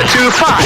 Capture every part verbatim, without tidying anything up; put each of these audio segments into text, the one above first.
one two five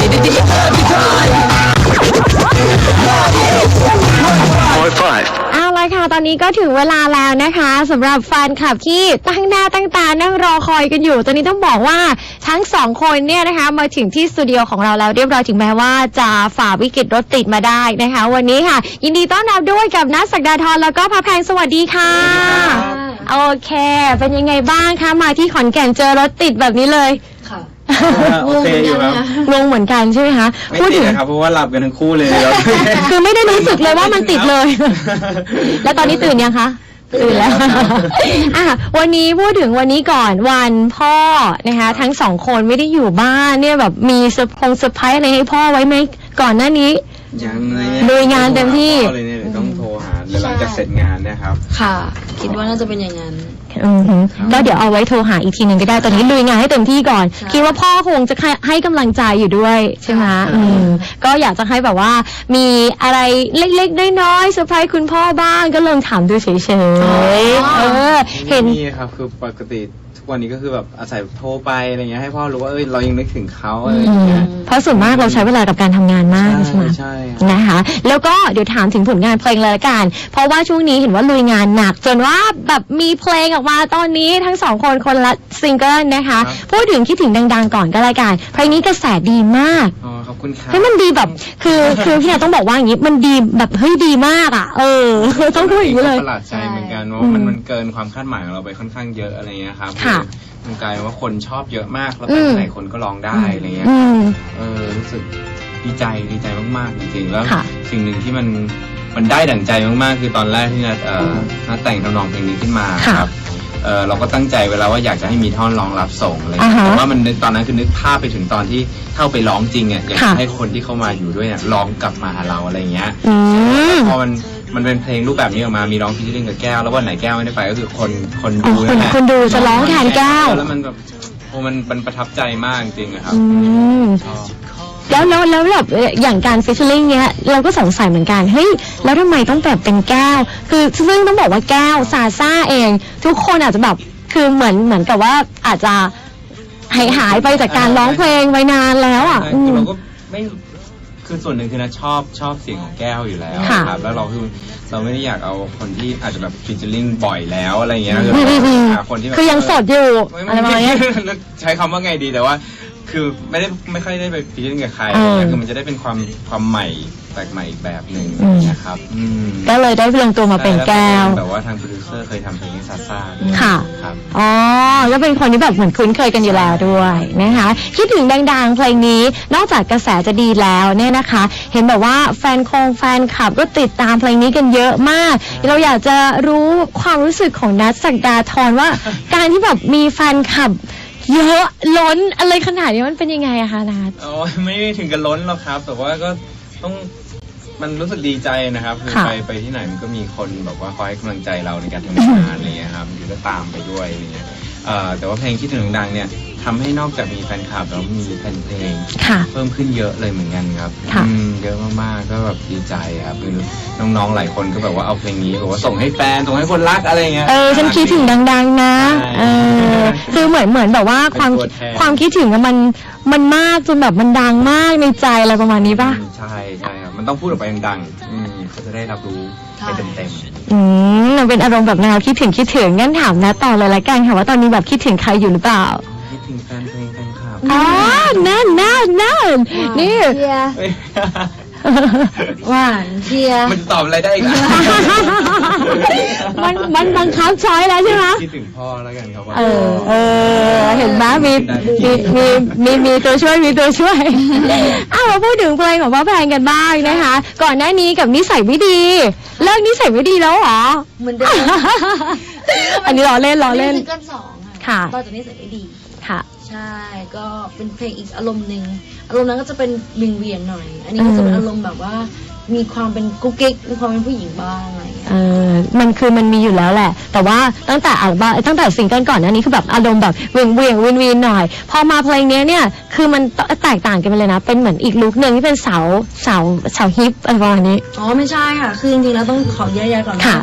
four five เอาละค่ะตอนนี้ก็ถึงเวลาแล้วนะคะสำหรับแฟนคลับที่ตั้งหน้าตั้งตานั่งรอคอยกันอยู่ตอนนี้ต้องบอกว่าทั้งสองคนเนี่ยนะคะมาถึงที่สตูดิโอของเราแล้วเรียบร้อยถึงแม้ว่าจะฝ่าวิกฤตรถติดมาได้นะคะวันนี้ค่ะยินดีต้อนรับด้วยกับนัทศักดาธรแล้วก็พระแพงสวัสดีค่ะโอเคเป็นยังไงบ้างคะมาที่ขอนแก่นเจอรถติดแบบนี้เลยค่ะโอเคอยู่ครับงงเหมือนกันใช่ไหมคะไม่ติดนะครับเพราะว่าหลับกันทั้งคู่เลยคือไม่ได้รู้สึกเลยว่ามันติดเลยแล้วตอนนี้ตื่นยังคะตื่นแล้วอ่ะวันนี้พูดถึงวันนี้ก่อนวันพ่อนะคะทั้งสองคนไม่ได้อยู่บ้านเนี่ยแบบมีเซอร์พงเซอร์ไพรส์อะไรให้พ่อไว้ไหมก่อนหน้านี้ยังเลยลุยงานเต็มที่เลยเนี่ยต้องโทรหาหลังจากเสร็จงานนะครับค่ะคิดว่าน่าจะเป็นอย่างนั้นก็เดี๋ยวเอาไว้โทรหาอีกทีหนึ่งก็ได้ตอนนี้ลุยงานให้เต็มที่ก่อนคิดว่าพ่อคงจะให้กำลังใจอยู่ด้วยใช่ไหมก็อยากจะให้แบบว่ามีอะไรเล็กๆน้อยๆเซอร์ไพรส์คุณพ่อบ้างก็ลองถามดูเฉยๆเออเห็นนี่ครับคือปกติทุกวันนี้ก็คือแบบอาศัยโทรไปอะไรเงี้ยให้พ่อรู้ว่าเอ้ยเรายังนึกถึงเขาอะไรอย่างเงี้ยเพราะส่วนมากเราใช้เวลากับการทำงานมากใช่ไหมใช่นะคะแล้วก็เดี๋ยวถามถึงผลงานเพลงเลยละกันเพราะว่าช่วงนี้เห็นว่าลุยงานหนักจนว่าแบบมีเพลงออกมาตอนนี้ทั้งสองคนคนละซิงเกิลนะคะพูดถึงคิดถึงดังๆก่อนก็แล้วกันเพลงนี้กระแสดีมากอ๋อขอบคุณครับเฮ้ยมันดีแบบคือคือพี่นาต้องบอกว่าอย่างนี้มันดีแบบเฮ้ยดีมากอ่ะเออต้องพูดอย่างนี้เลยประหลาดใจเหมือนกันว่ามันมันเกินความคาดหมายของเราไปค่อนข้างเยอะอะไรเงี้ยครับมันกลายว่าคนชอบเยอะมากแล้วไปไหนคนก็ร้องได้อะไรเงี้ยเออรู้สึกดีใจดีใจมากๆจริงๆแล้วสิ่งหนึ่งที่มันมันได้ดั่งใจมากๆคือตอนแรกที่นัดเอ่อนัดแต่งทำนองเพลงนี้ขึ้นมาครับเออเราก็ตั้งใจเวลาว่าอยากจะให้มีท่อนร้องรับส่งอะไรแต่ว่ามันตอนนั้นคือนึกภาพไปถึงตอนที่เข้าไปร้องจริงอ่ะอยากให้คนที่เข้ามาอยู่ด้วยเนี่ยร้องกลับมาหาเราอะไรเงี้ยพอมันมันเป็นเพลงรูปแบบนี้ออกมามีร้องฟีเจอริ่งกับแก้วแล้ววันไหนแก้วไม่ได้ไปก็คือคนคนดูนั่นแหละคนดูจะร้องแทนแก้วแล้วมันแบบโอ้มันมันประทับใจมากจริงๆครับแล้วแล้วแล้วแบบอย่างการฟีเจอริ่งเนี้ยเราก็สงสัยเหมือนกันเฮ้ยแล้วทำไมต้องแบบเป็นแก้วคือซึ่งต้องบอกว่าแก้วซาซ่าเองทุกคนอาจจะแบบคือเหมือนเหมือนกับว่าอาจจะหายหายไปจากการร้องเพลงไว้นานแล้วอ่ะเราก็ไม่คือส่วนหนึ่งคือนะชอบชอบเสียงของแก้วอยู่แล้วครับแล้วเราคือเราไม่ได้อยากเอาคนที่อาจจะแบบฟีเจอริ่งบ่อยแล้วอะไรเงี้ยคือหาคนที่แบบคือยังสดอยู่อะไรประมาณนี้ใช้คำว่าไงดีแต่ว่าคือไม่ได้ไม่ค่อยได้ไปฟีเจอริ่งกับใครคือมันจะได้เป็นความความใหม่แปลกใหม่อีกแบบหนึ่งนะครับก็เลยได้ลงตัวมาเป็นแก้วแบบว่าทางโปรดิวเซอร์เคยทำเพลงซาซ่าค่ะอ๋อแล้วเป็นคนที่แบบเหมือนคุ้นเคยกันอยู่แล้วด้วยนะคะคิดถึงดังๆเพลงนี้นอกจากกระแสจะดีแล้วเนี่ยนะคะเห็นแบบว่าแฟนคงแฟนคลับก็ติดตามเพลงนี้กันเยอะมากเราอยากจะรู้ความรู้สึกของนัทศักดาธรว่าการที่แบบมีแฟนคลับเยอะล้นอะไรขนาดนี้มันเป็นยังไงอะคะนัทอ๋อไม่ถึงกับล้นหรอกครับแต่ว่าก็ต้องมันรู้สึกดีใจนะครับคือไปไปที่ไหนมันก็มีคนแบบว่าคอยให้กำลังใจเราในการทำงานอะไรเงี้ยครับอยู่ก็ตามไปด้วยอะไรเงี้ยแต่ว่าเพลงคิดถึงดังเนี่ยทำให้นอกจากมีแฟนคลับแล้วมีแฟนเพลงเพิ่มขึ้นเยอะเลยเหมือนกันครับเยอะมากๆก็แบบดีใจครับคือน้องๆหลายคนก็แบบว่าเอาเพลงนี้แบบว่าส่งให้แฟนส่งให้คนรักอะไรเงี้ยเออฉันคิดถึงดังๆนะเออคือเหมือนเหมือนแบบว่าความความคิดถึงมันมันมากจนแบบมันดังมากในใจอะไรประมาณนี้ป่ะใช่ใช่ครับมันต้องพูดออกไปดังๆอืมเขาจะได้รับรู้ไปเต็มๆอืมมันเป็นอารมณ์แบบแนวคิดถึงคิดถึงงั้นถามนะต่อเลยละกันค่ะว่าตอนนี้แบบคิดถึงใครอยู่หรือเปล่าคิดถึงแฟนเพลงแฟนคลับอ๋อนั่นนั่นนั่นนี่หวานเชียมันตอบอะไรได้อีกล่ะมันมันบังคับช้อยแล้วใช่ไหมคิดถึงพ่อแล้วกันครับเออเออเห็นไหมมีมีมีมีมีตัวช่วยมีตัวช่วยอ้าวมาพูดถึงเพลงของพ่อแพงกันบ้างนะคะก่อนหน้านี้กับนิสัยไม่ดีเลิกนิสัยไม่ดีแล้วเหรอเหมือนเดิมอันนี้ล้อเล่นล้อเล่นซิงเกิลสองค่ะต่อจากนิสัยไม่ดีค่ะใช่ก็เป็นเพลงอีกอารมณ์หนึ่งอารมณ์นั้นก็จะเป็นวิงเวียนหน่อยอันนี้ก็จะเป็นอารมณ์แบบว่ามีความเป็นกุ๊กกิ๊กมีความเป็นผู้หญิงบ้างอะไรอย่างเงี้ยเออมันคือมันมีอยู่แล้วแหละแต่ว่าตั้งแต่อัลบั้มตั้งแต่ซิงเกิลก่อนหน้านี้คือแบบอารมณ์แบบเวียงเวียงวินวินหน่อยพอมาเพลงนี้เนี่ยคือมันแตกต่างกันไปเลยนะเป็นเหมือนอีกลุคนึงที่เป็นสาวสาวสาวฮิปอะไรประมาณนี้อ๋อไม่ใช่ค่ะคือจริงๆแล้วต้องขอแยกๆก่อนค่ะ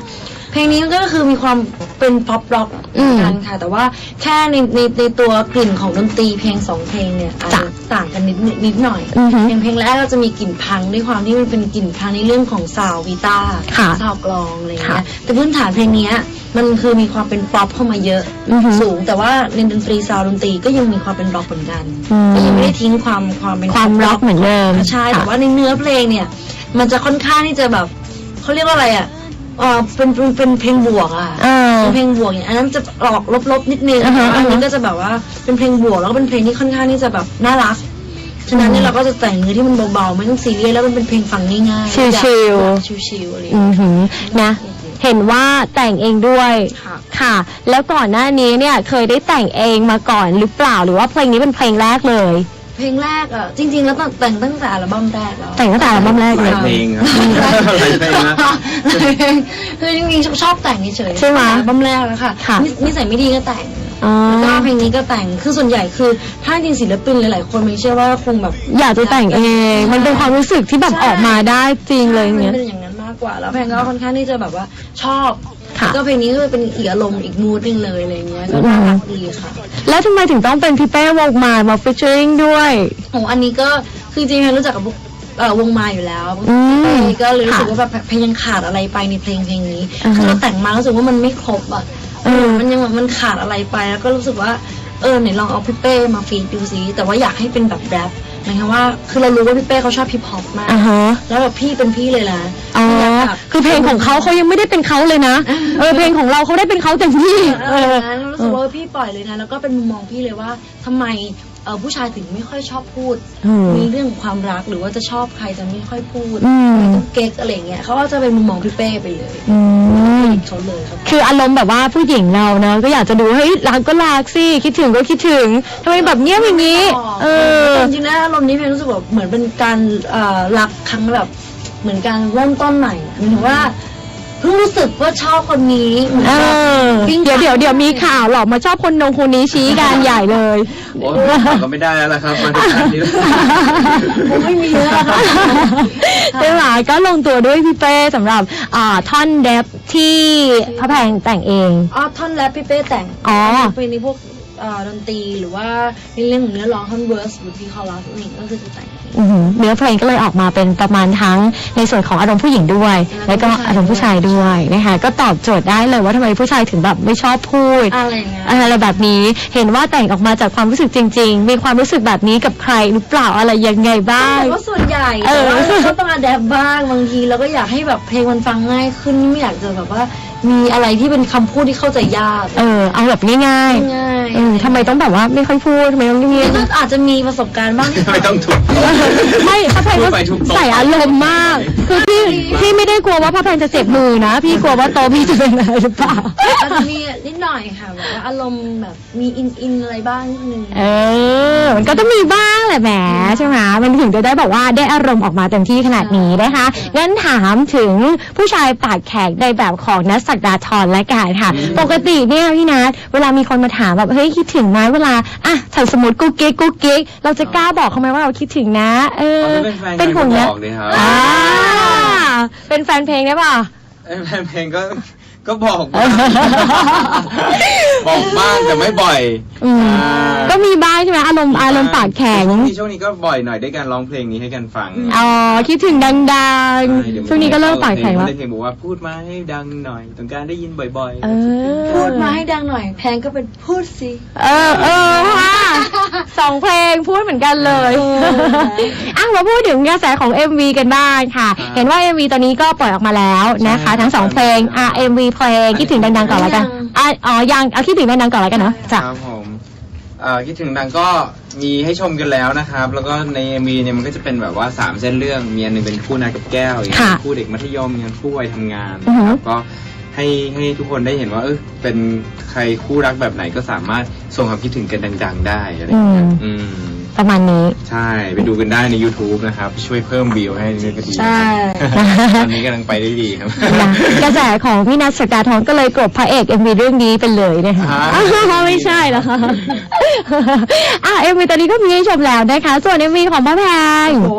เพลงนี้มันก็คือมีความเป็นป๊อปร็อกเหมือนกันค่ะแต่ว่าแค่ในในในตัวกลิ่นของดนตรีเพลงสองเพลงเนี่ยอาจจะต่างกันนิดนิดหน่อยเพลงเพลงแรกก็จะมีกลิ่นพังด้วยความที่มันเป็นกลิ่นพังในเรื่องของซาวด์กีตาร์ซาวด์กลองอะไรอย่างเงี้ยแต่พื้นฐานเพลงนี้มันคือมีความเป็นป๊อปเข้ามาเยอะสูงแต่ว่าในดนตรีซาวด์ดนตรีก็ยังมีความเป็นร็อกเหมือนกันก็ยังไม่ได้ทิ้งความความเป็นความร็อกเหมือนเดิมใช่แต่ว่าในเนื้อเพลงเนี่ยมันจะค่อนข้างที่จะแบบเขาเรียกว่าอะไรอ่ะเออเป็นเป็นเป็นเพลงบวกอ่ะเป็นเพลงบวกอย่างอันนั้นจะออกลบๆนิดนึงอันนี้ก็จะแบบว่าเป็นเพลงบวกแล้วก็เป็นเพลงที่ค่อนข้างที่จะแบบน่ารักฉะนั้นเนี่ยเราก็จะแต่งเนื้อที่มันเบาๆไม่ต้องซีเรียสแล้วมันเป็นเพลงฟังง่ายๆชิลชิลๆอะไรอือหือนะเห็นว่าแต่งเองด้วยค่ะแล้วก่อนหน้านี้เนี่ยเคยได้แต่งเองมาก่อนหรือเปล่าหรือว่าเพลงนี้เป็นเพลงแรกเลยเพลงแรกอ่ะจริงๆแล้วแต่งตั้งแต่อัลบั้มแรกแล้วแต่งตั้งแต่อัลบั้มแรกเลยเพลงครับหลายเพลงนะคือจริงๆชอบแต่งเฉยๆใช่ไหมอัลบั้มแรกแล้วค่ะนิสัยไม่ดีก็แต่งแล้วก็เพลงนี้ก็แต่งคือส่วนใหญ่คือถ้าจริงศิลปินหลายๆคนมันเชื่อว่าคงแบบอยากจะแต่งเองมันเป็นความรู้สึกที่แบบออกมาได้จริงเลยเนี่ยมันเป็นอย่างนั้นมากกว่าแล้วเพลงก็ค่อนข้างที่จะแบบว่าชอบก็เพลงนี้ก็เป็นอีกอารมณ์อีกมูดนึงเลยอะไรเงี้ยก็น่ารักดีค่ะแล้วทำไมถึงต้องเป็นพี่เป้วงมามาฟีเจอริ่งด้วยโอ้อันนี้ก็คือจริงๆรู้จักกับวงมาอยู่แล้วก็เลยรู้สึกว่าแบบเพลงยังขาดอะไรไปในเพลงเพลงนี้คือเราแต่งมารู้สึกว่ามันไม่ครบอ่ะมันยังมันขาดอะไรไปแล้วก็รู้สึกว่าเออไหนลองเอาพี่เป้มาฟีดดูซิแต่ว่าอยากให้เป็นแบบแรปหมายความว่าคือเรารู้ว่าพี่เป้เขาชอบฮิปฮอปมากแล้วแบบพี่เป็นพี่เลยนะอ๋อคือเพลงของเขาเขายังไม่ได้เป็นเขาเลยนะเออเพลงของเราเขาได้เป็นเขาเต็มที่เออรู้สึกว่าพี่ปล่อยเลยนะแล้วก็เป็นมุมมองพี่เลยว่าทำไมเออผู้ชายถึงไม่ค่อยชอบพูดมีเรื่องความรักหรือว่าจะชอบใครจะไม่ค่อยพูดไม่ต้องเก๊กอะไรเงี้ยเขาก็จะเป็นมุมมองพี่เป้ไปเลยเขาเลยครับคืออารมณ์แบบว่าผู้หญิงเราเนาะก็อยากจะดูเฮ้ยรักก็รักสิคิดถึงก็คิดถึงทำไมแบบเนี้ยอย่างนี้เออจริงๆนะอารมณ์นี้เพลงรู้สึกแบบเหมือนเป็นการรักครั้งแบบเหมือนการเริ่มต้นใหม่หมายถึงว่าเพิ่งรู้สึกว่าชอบคนนี้เออเดี๋ยวเดี๋ยวเดี๋ยวมีข่าวหรอกมาชอบคนนงคนนี้ชี้กันใหญ่เลยโอ้ก็ไม่ได้แล้วล่ะครับมาถึงขนาดนี้ผมไม่มีแล้วค่ะใช่ไหมก็ลงตัวด้วยพี่เป้สำหรับท่อนแรปที่พระแพงแต่งเองอ๋อท่อนแรปพี่เป้แต่งอ๋อเป็นในพวกดนตรีหรือว่าในเรื่องของเนื้อร้องท่อนเวิร์สหรือที่คอรัสนี่ก็คือจะแต่งเนื้อเพลงก็เลยออกมาเป็นประมาณทั้งในส่วนของอารมณ์ผู้หญิงด้วยแล้วก็อารมณ์ผู้ชายด้วยนะคะก็ตอบโจทย์ได้เลยว่าทำไมผู้ชายถึงแบบไม่ชอบพูดอะไรเงี้ยอะไรแบบนี้เห็นว่าแต่งออกมาจากความรู้สึกจริงๆมีความรู้สึกแบบนี้กับใครหรือเปล่าอะไรยังไงบ้างก็ส่วนใหญ่แต่ว่าก็ต้องอะแดปบ้างบางทีเราก็อยากให้แบบเพลงมันฟังง่ายขึ้นไม่อยากจะแบบว่ามีอะไรที่เป็นคำพูดที่เข้าใจยากเออเอาแบบง่ายง่ายเออทำไมต้องแบบว่าไม่ค่อยพูดทำไมต้องเงียบๆอาจจะมีประสบการณ์บ้างไม่ต้องถูกไม่พระแพงก็ใส่อารมณ์มากคือพี่พี่ไม่ได้กลัวว่าพระแพงจะเจ็บมือนะพี่กลัวว่าโตพี่จะเป็นอะไรหรือเปล่าอาจจะมีนิดหน่อยค่ะแบบว่าอารมณ์แบบมีอินอินอะไรบ้างนิดนึงเออมันก็ต้องมีบ้างแหละแหมใช่ไหมมันถึงจะได้บอกว่าได้อารมณ์ออกมาเต็มที่ขนาดนี้นะคะงั้นถามถึงผู้ชายปากแข็งในแบบของนัทศักดาธรและกันค่ะปกติเนี่ยพี่นัทเวลามีคนมาถามแบบเฮ้ยคิดถึงไหมเวลาอ่ะถ้าสมมติกุ๊กกิ๊กกุ๊กกิ๊กเราจะกล้าบอกเขาไหมว่าเราคิดถึงนะเออเป็นคนนะอ่าเป็นแฟนเพลงได้ป่ะแฟนเพลงก็ก็บอกบอกบ้างแต่ไม่บ่อยก็มีบ้างใช่ไหมอารมณ์อารมณ์ปากแข็งช่วงนี้ก็บ่อยหน่อยด้วยการร้องเพลงนี้ให้กันฟังอ๋อคิดถึงดังๆช่วงนี้ก็เริ่มปากแข็งแล้วเพลงบอกว่าพูดมาให้ดังหน่อยต้องการได้ยินบ่อยๆพูดมาให้ดังหน่อยแพงก็เป็นพูดสิเออเออค่ะสองเพลงพูดเหมือนกันเลยอ่ะมาพูดถึงกระแสของ เอ็ม วี กันบ้างค่ะเห็นว่า เอ็ม วี ตอนนี้ก็ปล่อยออกมาแล้วนะคะทั้งสองเพลงอ่ะ เอ็ม วี เพลงคิดถึงดังๆก่อนแล้วกันอ๋อยังเอาคิดถึงดังๆก่อนแล้วกันเนาะจ้ะครับผมคิดถึงดังก็มีให้ชมกันแล้วนะครับแล้วก็ใน เอ็ม วี เนี่ยมันก็จะเป็นแบบว่าสามเส้นเรื่องมีอันนึงเป็นคู่นายกับแก้วอย่างคู่เด็กมัธยมอย่างคู่วัยทำงานนะครับก็ให้ให้ทุกคนได้เห็นว่าเออเป็นใครคู่รักแบบไหนก็สามารถส่งความคิดถึงกันดังๆได้อะไรอย่างเงี้ยประมาณนี้ใช่ไปดูกันได้ใน YouTube นะครับช่วยเพิ่มวิวให้นี่ก็ดีใช่ตอนนี้กำลังไปได้ดีครับกระแสของพี่นัทศักดาธรก็เลยกลบพระเอก เอ็ม วี เรื่องนี้ไปเลยนะคะไม่ใช่เหรอคะอ่ะ เอ็ม วี ตอนนี้ก็มีให้ชมแล้วนะคะส่วน เอ็ม วี ของพระแพงโอ้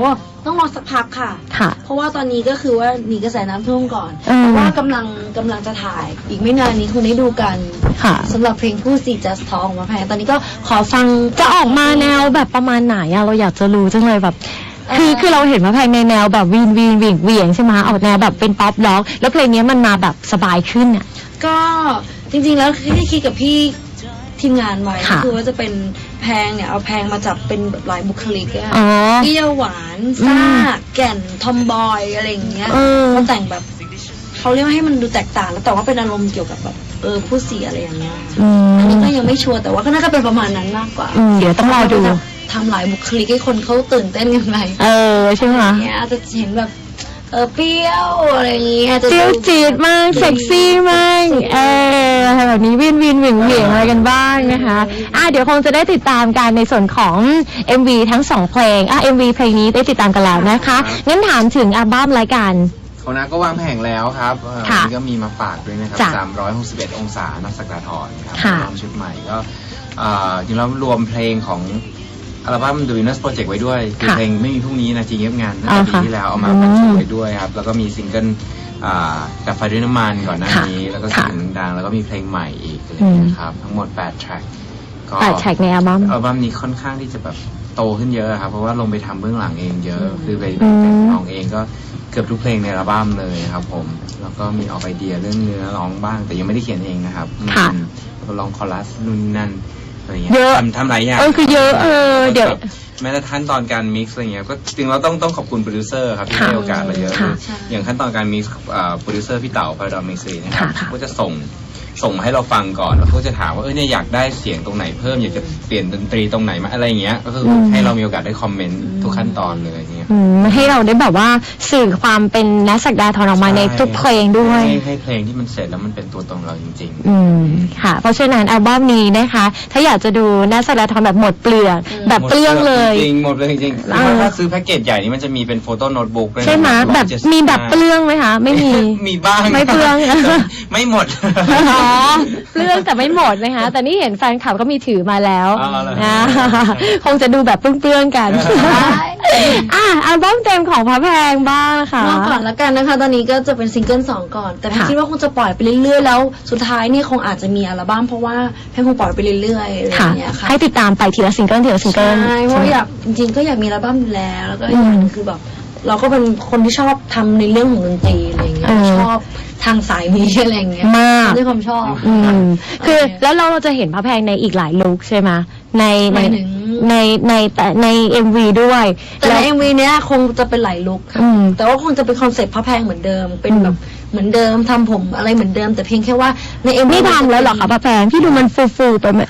ต้องรอสักพักค่ะค่ะเพราะว่าตอนนี้ก็คือว่าหนีกระแสน้ำท่วมก่อนเออแต่ว่ากำลังกำลังจะถ่ายอีกไม่นานนี้คงได้ดูกันค่ะสำหรับเพลงผู้สี just talk ของมาแพงตอนนี้ก็ขอฟังจะออกมาแนวแบบประมาณไหนอะเราอยากจะรู้จังเลยแบบ คือคือเราเห็นว่าเพลงในแนวแบบวีนวีนเหวี่ยงเหวี่ยงใช่ไหมออกแนวแบบเป็นป๊อปร็อกแล้วเพลงนี้มันมาแบบสบายขึ้นอะก็จริงๆแล้วคือที่คิดกับพี่ทีมงานไว้ค่ะคือว่าจะเป็นแพงเนี่ยเอาแพงมาจับเป็นแบบหลายบุคลิกอะอ๋อเปรี้ยวหวานซ่าแก่นทอมบอยอะไรอย่างเงี้ยเออเขาแต่งแบบเขาเรียกว่าให้มันดูแตกต่างแล้วแต่ว่าเป็นอารมณ์เกี่ยวกับแบบเออผู้เสียอะไรอย่างเงี้ยอืมอันนี้ก็ยังไม่ชัวร์แต่ว่าก็น่าจะเป็นประมาณนั้นมากกว่าอืมเดี๋ยวต้องรอดูทำหลายบุคลิกให้คนเขาตื่นเต้นกันไปเออใช่ไหมเนี้ยอาจจะเห็นแบบเออเปรี้ยวอะไรอย่างเงี้ยจะเจียวจีดมากเซ็กซี่มากเอออะไรแบบนี้วินวินเหวี่ยงเหวี่ยงอะไรกันบ้างนะคะอ่ะเดี๋ยวคงจะได้ติดตามกันในส่วนของ เอ็ม วี ทั้งสองเพลงอ่ะ เอ็ม วี เพลงนี้ได้ติดตามกันแล้วนะคะงั้นถามถึงอัลบั้มรายการของน้าก็วางแผงแล้วครับเอ่อค่ะวันนี้ก็มีมาฝากด้วยนะครับจ้ะสามร้อยหกสิบเอ็ดองศานักสักดาทรครับค่ะอัลบั้มชุดใหม่ก็เอ่อจริงๆแล้วรวมเพลงของอัลบั้ม The Winners Project ไว้ด้วยคือค่ะเพลงไม่มีพรุ่งนี้นะจริงเงียบงานตั้งอ๋แต่อปีค่ะที่แล้วเอามาอืมบรรจุไว้ด้วยครับแล้วก็มีซิงเกิลอ่าดับไฟด้วยน้ำมันก่อนหน้าค่ะนี้แล้วก็ค่ะเสียงดังแล้วก็มีเพลงใหม่อีกอะไรอย่างเงี้ยครับทั้งหมดแปดแทร็กก็แปดแท็กในอัลบั้มอัลบั้มนี้ค่อนข้างที่จะแบบโตขึ้นเยอะครับเพราะว่าลงไปทำเบื้องหลังเองเยอะคือไปอืมแต่งร้องเองก็เกือบทุกเพลงในอัลบั้มเลยครับผมแล้วก็มีออกไอเดียเรื่องเนื้อร้องบ้าง แต่ยังไม่ได้เขียนเองนะครับค่ะอืมแล้วก็ร้องคอรัสนู่นนนั่นอะไรเงี้ยเยอะทำทำหลายอย่างเออคือเยอะเออเดี๋ยวแบบแม้แต่ขั้นตอนการมิกซ์อะไรเงี้ยก็จริงเราต้องต้องขอบคุณโปรดิวเซอร์ครับที่ค่ะให้โอกาสเราเยอะค่ะอย่างขั้นตอนการมิกซ์โปรดิวเซอร์พี่เต๋าพาราดอมมิกซ์นะครับค่ะก็จะส่งส่งมาให้เราฟังก่อนแล้วเขาก็จะถามว่าเออเนี่ยอยากได้เสียงตรงไหนเพิ่มอยากจะเปลี่ยนดนตรีตรงไหนมาอะไรเงี้ยก็คืออมให้เรามีโอกาสได้คอมเมนต์ทุกขั้นตอนเลยอย่างเงี้ยอืมให้เราได้แบบว่าสื่อความเป็นนักสักดาทรออกมาในทุกเพลงด้วยให้ให้เพลงที่มันเสร็จแล้วมันเป็นตัวตนเราจริงอืมค่ะ เพราะฉะนั้นอัลบั้มนี้นะคะ ถ้าอยากจะดูนักสักดาทรแบบหมดเปลือกๆแบบเปลื้องเลยจริงๆหมดเลยจริงๆเออถ้าซื้อแพ็กเกจใหญ่นี่มันจะมีเป็นโฟโต้โน้ตบุ๊กด้วยนะใช่ไหมร้แบอยบเจ็ดสิมีแบบเปลื้องไหมคะ ไม่มีมีบ้างไม่เปลืองไม่หมดอ๋อเปลื้องแต่ไม่หมดนะคะ แต่นี่เห็นแฟนคลับก็มีถือมาแล้วอ๋อเหรอนะคงจะดูแบบเปลื้องๆกันอ่ะอัลบั้มเต็มของพระแพงบ้างนะคะรอก่อนละกันนะคะ ตอนนี้ก็จะเป็นซิงเกิลสองก่อน แต่แพนค่ะคิดว่าคงจะปล่อยไปเรื่อยๆ แล้วสุดท้ายเนี่ยคงอาจจะมีอัลบั้มเพราะว่าแพนคงปล่อยไปเรื่อยๆอะไรอค่ะย่างเงี้ยค่ะให้ติดตามไปทีละซิงเกิลทีละซิงเกิลใช่เพราะว่าอยากจริงๆก็อยากมีอัลบั้มอยู่แล้ว แล้วก็อีกอย่างหนึ่งคือแบบเราก็เป็นคนที่ชอบทำในเรื่องของดนตรีอะไรอย่างเงี้ยเออชอบทางสายนี้อะไรอย่างเงี้ยมากด้วยความชอบอืมคือโอเคแล้วเราจะเห็นพระแพงในอีกหลายลุคใช่ไหมในหในมายถึงในในแต่ในเอ็มวีด้วยแต่ในเอ็มวีเนี้ยคงจะเป็นหลายลุคค่ะอืมแต่ว่าคงจะเป็นคอนเซ็ปต์พระแพงเหมือนเดิม เป็นอืมแบบเหมือนเดิมทำผมอะไรเหมือนเดิม แต่เพียงแค่ว่าในเอ็มวีไม่ทำแล้วเหรอคะพระแพงพี่ดูมันฟูฟูๆไปไหม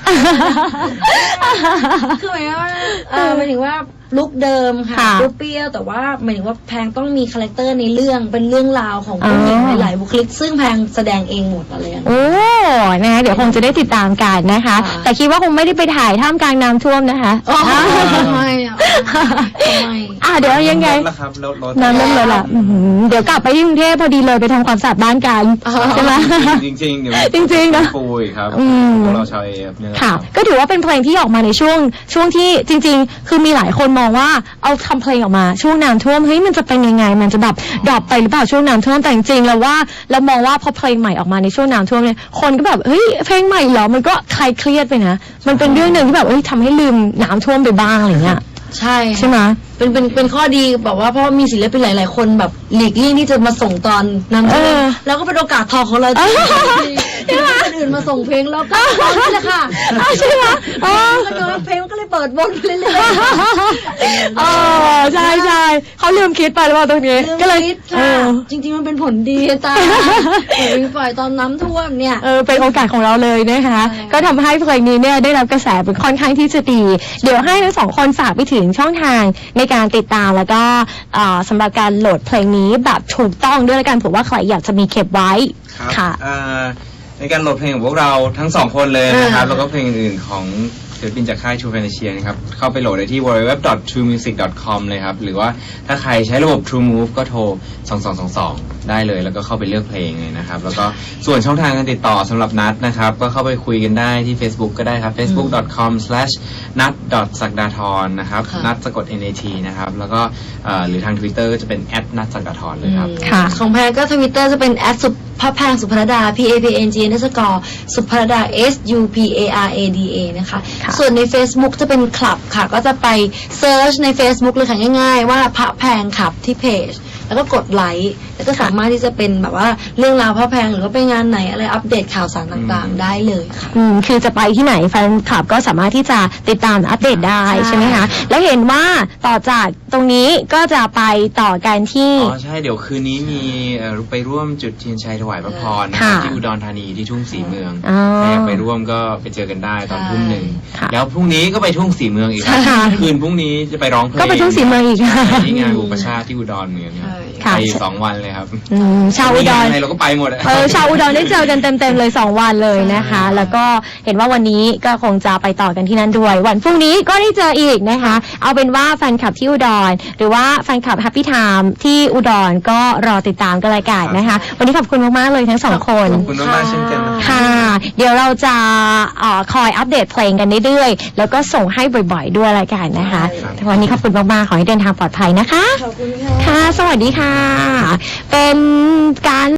คือหมายว่าเออหมายถึงว่าลุคเดิมค่ะค่ะเปรี้ยวๆแต่ว่าหมายถึงว่าแพงต้องมีคาแรคเตอร์ในเรื่องเป็นเรื่องราวของผู้หญิงอ๋อหลายๆบุคลิก ซึ่งแพงแสดงเองหมดอะไรอย่างเงี้ยโอ้นะคะเดี๋ยวคงจะได้ติดตามกันนะคะค่ะแต่คิดว่าคงไม่ได้ไปถ่ายท่ามกลางน้ำท่วมนะคะอ๋อไม่อะไม่อ่ะเดี๋ยวยังไงลดแล้วครับลดลดน้ำเริ่มเลยล่ะอื้อหือเดี๋ยวกลับไปที่กรุงเทพพอดีเลยไปทำความสะอาดบ้านกันใช่ไหมจริงๆเดี๋ยวจริงๆนะปุยครับอืมพวกเราชาวเอฟเนี่ยแหละค่ะรับก็ถือว่าเป็นเพลงที่ออกมาในช่วงช่วงที่จริง ๆ คือมีหลายคนมองว่าเอาทำเพลงออกมาช่วงน้ำท่วมเฮ้ยมันจะเป็นยังไง มันจะแบบดรอปไปหรือเปล่าช่วงน้ำท่วมแต่จริงๆแล้วว่าเรามองว่าพอเพลงใหม่ออกมาในช่วงน้ำท่วมเนี่ยคนก็แบบเฮ้ยเพลงใหม่เหรอมันก็คลายเครียดไปนะมันเป็นเรื่องหนึ่งที่แบบเอ้ยทำให้ลืมน้ำท่วมไปบ้างอะไรเงี้ยใช่ใช่ไหมเป็นเป็นเป็นข้อดีแบบว่าเพราะว่ามีศิลปินหลาย ๆ คนแบบหลีกเลี่ยงที่จะมาส่งตอนน้ำท่วมเออแล้วก็เป็นโอกาสทองของเราที่ที่คนอื่นมาส่งเพลงแล้วก็ตอนนี้แหละค่ะอ้าวใช่ไหมอ๋อแล้วก็เพลงมันก็เลยเปิดวนไปเรื่อยๆเออใช่ใช่เขาลืมคิดไปหรือเปล่าตรงนี้ลืมก็เลยคิดเอค่ะอจริง ๆ มันเป็นผลดีตาเพลงปล่อยตอนน้ำท่วมเนี่ยเออเป็นโอกาสของเราเลยนะคะใช่ก็ทำให้เพลงนี้เนี่ยได้รับกระแสเป็นค่อนข้างที่จะดี เดี๋ยวให้ทั้งสองคนฝากไปถึงช่องทางในการติดตามแล้วก็เอ่อสำหรับการโหลดเพลงนี้แบบถูกต้องด้วยแล้วกันผมว่าใครอยากจะมีเก็บไว้ครับค่ะอ่าในการโหลดเพลงของพวกเราทั้งสองคนเลยนะครับอ่าแล้วก็เพลงอื่นๆของศิลปินจากค่าย True Fantasia นะครับ เข้าไปโหลดได้ที่ ดับเบิลยู ดับเบิลยู ดับเบิลยู ดอท ทรู มิวสิก ดอท คอม เลยครับ หรือว่าถ้าใครใช้ระบบ True Move ก็โทร สอง สอง สอง สองได้เลยแล้วก็เข้าไปเลือกเพลงเลยนะครับแล้วก็ส่วนช่องทางการติดต่อสำหรับนัทนะครับก็เข้าไปคุยกันได้ที่ Facebook ก็ได้ครับ เฟซบุ๊ก ดอท คอม สแลช นัท ดอท ศักดาธรนะครับค่ะนัทสะกด เอ็น เอ ที นะครับแล้วก็เอ่อหรือทาง Twitter ก็จะเป็น แอท นัทศักดาธรเลยครับค่ะของแพงก็ทวิตเตอร์จะเป็นแอดสุภาพแพงสุภรดา P A P N G นัสกอร์สุภรดา S U P A R A D A นะคะค่ะส่วนใน Facebook จะเป็นคลับค่ะ ก็จะไปเซิร์ชใน Facebook เลยค่ะง่ายๆ ว่าพระแพงขับที่เพจ แล้วก็กดไลค์แล้วก็สามารถที่จะเป็นแบบว่าเรื่องราวพระแพงหรือว่าไปงานไหนอะไรอัปเดตข่าวสารต่างๆ ได้เลยค่ะอืมคือจะไปที่ไหนแฟนคลับก็สามารถที่จะติดตามอัปเดตได้ใช่ใช่ไหมคะ แล้วเห็นว่าต่อจากตรงนี้ก็จะไปต่อกันที่อ๋อใช่เดี๋ยวคืนนี้มีเอ่อไปร่วมจุดเทียนชัยถวายพระพรนะคค่ะรับที่อุดรธานีที่ทุ่งสีเมืองอ๋อใครอยากไปร่วมก็ไปเจอกันได้ตอนใช่ทุ่มหนึ่งค่ะแล้วพรุ่งนี้ก็ไปทุ่งสีเมืองอีกครับค่ะคืนพรุ่งนี้จะไปร้องเพลงก็ไปทุ่งศรีเมืองอีกที่งานอุปชาติที่อุดรเหมือนกันครับค่ะไปอยู่สองวันเลยครับอืมชาวอุดรมีงานอะไรเราก็ไปหมดอะเออชาวอุดรได้เจอกันเต็มๆเลยสองวันเลยนะคะ แล้วก็เห็นว่าวันนี้ก็คงจะไปต่อกันที่นั่นด้วย วันพรุ่งนี้ก็ได้เจออีกนะคะ เอาเป็นว่าแฟนคลับที่อุดร หรือว่าแฟนคลับ Happy Time ที่อุดรก็รอติดตามกันรายการนะคะ วันนี้ขอบคุณมากๆเลยทั้งสองคนขอบคุณมากๆเช่นกันนะครับค่ะ เดี๋ยวเราจะเอ่อคอยอัปเดตเพลงกันเรื่อยๆแล้วก็ส่งให้บ่อยๆด้วยรายการนะคะครับวันนี้ขอบคุณมากๆขอให้เดินทางปลอดภัยนะคะขอบคุณค่ะค่ะ สวัสดีค่ะ เป็นการ